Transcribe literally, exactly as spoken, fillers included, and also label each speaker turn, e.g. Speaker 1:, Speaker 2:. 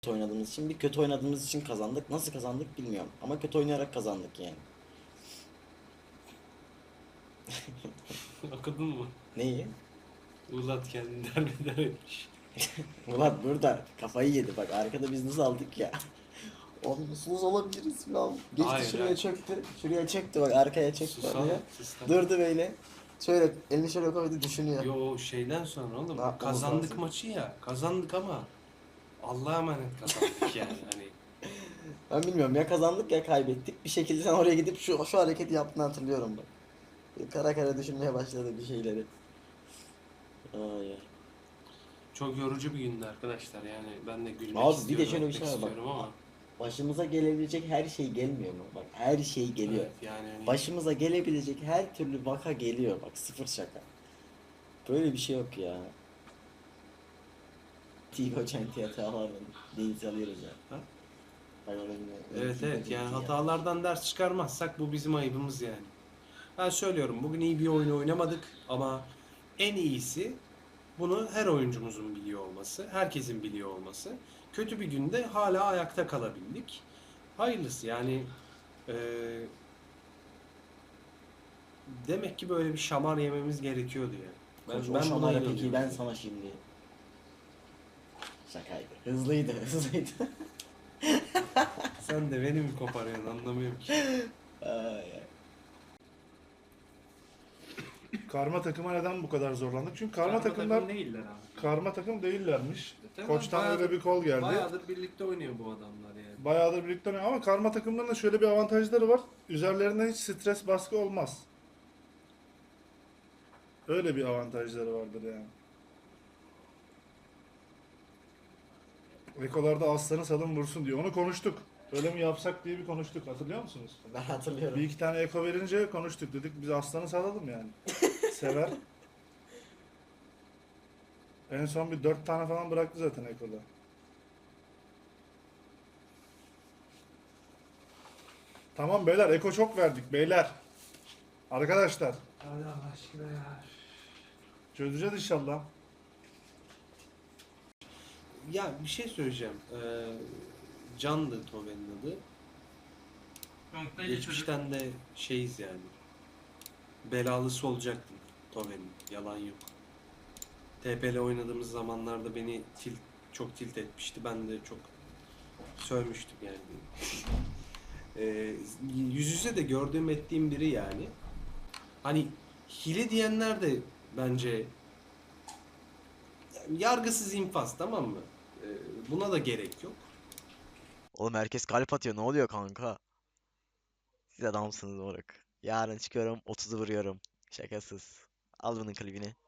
Speaker 1: oynadığımız için, bir kötü oynadığımız için kazandık. Nasıl kazandık bilmiyorum ama kötü oynayarak kazandık yani.
Speaker 2: Okudun mu?
Speaker 1: Neyi?
Speaker 2: Ulat kendini derbeder etmiş.
Speaker 1: Murat burada kafayı yedi, bak arkada biz nasıl aldık ya. Oğlum nasıl olabiliriz falan. Geçti
Speaker 2: Hayır,
Speaker 1: şuraya
Speaker 2: hayır.
Speaker 1: çöktü. Şuraya çöktü, bak arkaya çöktü oraya.
Speaker 2: Susalım sistem.
Speaker 1: Durdu böyle. Şöyle elini şöyle koydu, düşünüyor.
Speaker 2: Yo, şeyden sonra oğlum
Speaker 1: Ne yapmamız
Speaker 2: kazandık
Speaker 1: lazım?
Speaker 2: maçı ya. Kazandık ama Allah'a emanet kazandık yani hani.
Speaker 1: Ben bilmiyorum, ya kazandık ya kaybettik. Bir şekilde sen oraya gidip şu şu hareketi yaptığını hatırlıyorum bak. Kara kara düşünmeye başladı bir şeyleri. Ay, ay.
Speaker 2: Çok yorucu bir gündü arkadaşlar yani ben de gülmek
Speaker 1: Abi bir de
Speaker 2: istiyorum,
Speaker 1: şöyle bir
Speaker 2: etmek
Speaker 1: şey var bak.
Speaker 2: istiyorum ama
Speaker 1: Başımıza gelebilecek her şey gelmiyor mu? Bak her şey geliyor.
Speaker 2: evet yani hani
Speaker 1: Başımıza gelebilecek her türlü vaka geliyor, bak sıfır şaka. Böyle bir şey yok ya. Tigo Çenti hatalarla deniz alıyoruz ya.
Speaker 2: ha?
Speaker 1: Bak orada yine yine
Speaker 2: Evet
Speaker 1: Tigo
Speaker 2: evet yani
Speaker 1: Çenti ya.
Speaker 2: hatalardan ders çıkarmazsak bu bizim ayıbımız yani. Ben söylüyorum bugün iyi bir oyun oynamadık ama en iyisi bunu her oyuncumuzun biliyor olması, herkesin biliyor olması. Kötü bir günde hala ayakta kalabildik. Hayırlısı yani eee, demek ki böyle bir şamar yememiz gerekiyordu yani.
Speaker 1: Koç
Speaker 2: Ben,
Speaker 1: o
Speaker 2: ben buna
Speaker 1: şamara peki
Speaker 2: inanıyorum.
Speaker 1: ben sana şimdi. Şakaydı. Hızlıydı hızlıydı.
Speaker 2: Sen de beni mi koparıyorsun anlamıyorum ki.
Speaker 1: Ay, ay.
Speaker 3: Karma takıma neden bu kadar zorlandık? Çünkü karma,
Speaker 4: Karma
Speaker 3: takımlar
Speaker 4: takım değiller abi.
Speaker 3: karma takım değillermiş.
Speaker 2: E tamam,
Speaker 3: Koçtan öyle bir kol geldi.
Speaker 2: Bayağıdır birlikte oynuyor bu adamlar yani.
Speaker 3: Bayağıdır birlikte oynuyor ama karma takımların da şöyle bir avantajları var. Üzerlerinde hiç stres baskı olmaz. Öyle bir avantajları vardır yani. Ekolarda aslanı salın vursun diyor. Onu konuştuk. Öyle mi yapsak diye bir konuştuk. Hatırlıyor musunuz?
Speaker 1: Ben hatırlıyorum.
Speaker 3: Bir iki tane eko verince konuştuk. Dedik biz aslanı salalım yani. Sever. En son bir dört tane falan bıraktı zaten ekoda. Tamam beyler, eko çok verdik beyler. Arkadaşlar
Speaker 2: Hadi Allah aşkına ya.
Speaker 3: çözeceğiz inşallah.
Speaker 2: Ya bir şey söyleyeceğim. Ee, Can'dı Toven'in adı.
Speaker 4: Noktayla çocuk.
Speaker 2: Geçmişten de şeyiz yani. Belalısı olacaktım Toven'in. Yalan yok. T P L oynadığımız zamanlarda beni tilt, çok tilt etmişti. Ben de çok sövmüştüm yani. Ee, yüz yüze de gördüğüm ettiğim biri yani. Hani hile diyenler de bence yargısız infaz, tamam mı? Ee, buna da gerek yok.
Speaker 5: Oğlum herkes kalp atıyor. Ne oluyor kanka? Siz adamsınız moruk. Yarın çıkıyorum otuzu vuruyorum. Şakasız. Al bunun klibini.